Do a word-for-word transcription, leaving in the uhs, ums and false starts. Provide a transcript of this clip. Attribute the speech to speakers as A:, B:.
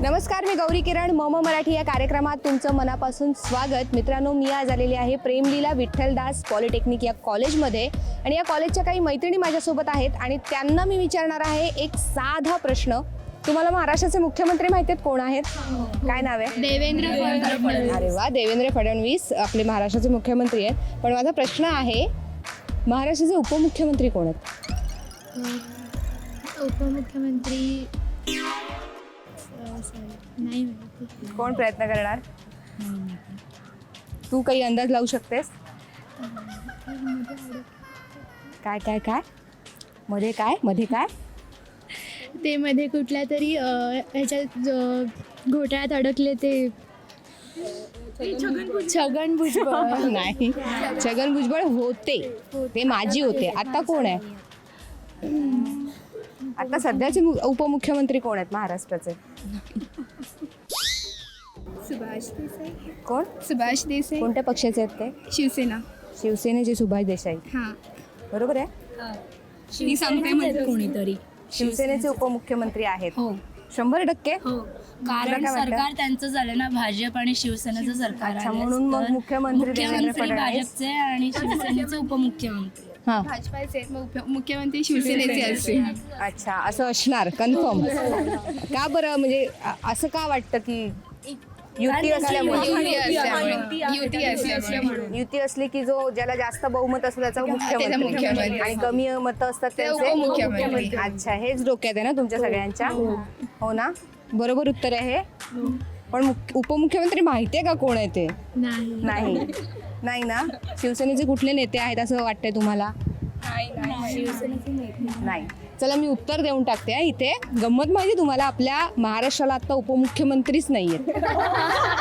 A: नमस्कार, मी गौरी किरण. मम मराठी या कार्यक्रमात तुमचं मनापासून स्वागत. मित्रांनो, मी आज आलेली आहे प्रेमलीला विठ्ठलदास पॉलिटेक्निक या कॉलेजमध्ये आणि या कॉलेजच्या काही मैत्रिणी माझ्यासोबत आहेत आणि त्यांना मी विचारणार आहे एक साधा प्रश्न. तुम्हाला महाराष्ट्राचे मुख्यमंत्री माहिती आहेत कोण आहेत? काय नाव आहे?
B: देवेंद्र फडणवीस.
A: अरे वा, देवेंद्र फडणवीस आपले महाराष्ट्राचे मुख्यमंत्री आहेत. पण माझा प्रश्न आहे, महाराष्ट्राचे उपमुख्यमंत्री कोण आहेत?
B: उपमुख्यमंत्री नाही माहिती.
A: कोण प्रयत्न करणार? तू काही अंदाज लावू शकतेस? काय काय काय मध्ये काय मध्ये काय
B: ते मध्ये कुठल्या तरी अ, ह्याच्यात जो घोटाळ्यात अडकले ते छगन भुजबळ.
A: नाही, छगन भुजबळ होते, ते माजी होते. आता कोण आहे? आता सध्याचे मु- उपमुख्यमंत्री कोण आहेत महाराष्ट्राचे?
B: सुभाष देसाई.
A: कोण?
B: सुभाष देसाई.
A: कोणत्या पक्षाचे आहेत ते?
B: शिवसेना.
A: शिवसेनेचे सुभाष देसाई.
B: हां,
A: बरोबर आहे.
B: मी सांगते
C: कोणीतरी
A: शिवसेनेचे उपमुख्यमंत्री आहेत.
C: हो
A: शंभर टक्के.
C: हो
A: तुला
C: कारण
A: काय वाटतं?
C: सरकार त्यांचं झालं ना, भाजप आणि शिवसेनेचं सरकार
A: अच्छा,
C: आलंय.
A: म्हणून मग
C: तर
A: मुख्यमंत्री देवेंद्र
C: मुख्यमंत्री
A: फडणवीस.
C: भाजपचे आणि शिवसेनेचे उपमुख्यमंत्री.
A: हा,
B: भाजपाचे मग मुख्यमंत्री शिवसेनेचे असतील.
A: अच्छा, असं असणार कन्फर्म. का बरं, म्हणजे अ- असं का वाटतं की युती असल्यामुळे?
B: युती असल्यामुळे. युती असल्यामुळे.
A: युती असली की जो ज्याला जास्त बहुमत असतं त्याचा मुख्यमंत्री
B: मुख्यमंत्री.
A: आणि कमी मतं असतात
B: ते
A: त्यांचे
B: उपमुख्यमंत्री.
A: अच्छा, हेच डोक्यात आहे ना तुमच्या सगळ्यांच्या? हो ना, बरोबर उत्तर आहे हे. पण मुख- उपमुख्यमंत्री माहिती आहे का कोण आहे ते?
B: नाही.
A: नाही नाही ना. शिवसेनेचे कुठले नेते आहेत असं वाटतंय तुम्हाला? नाही. चला, मी उत्तर देऊन टाकते हा. इथे गंमत माहिती तुम्हाला, आपल्या महाराष्ट्राला आता उपमुख्यमंत्रीच नाही आहेत.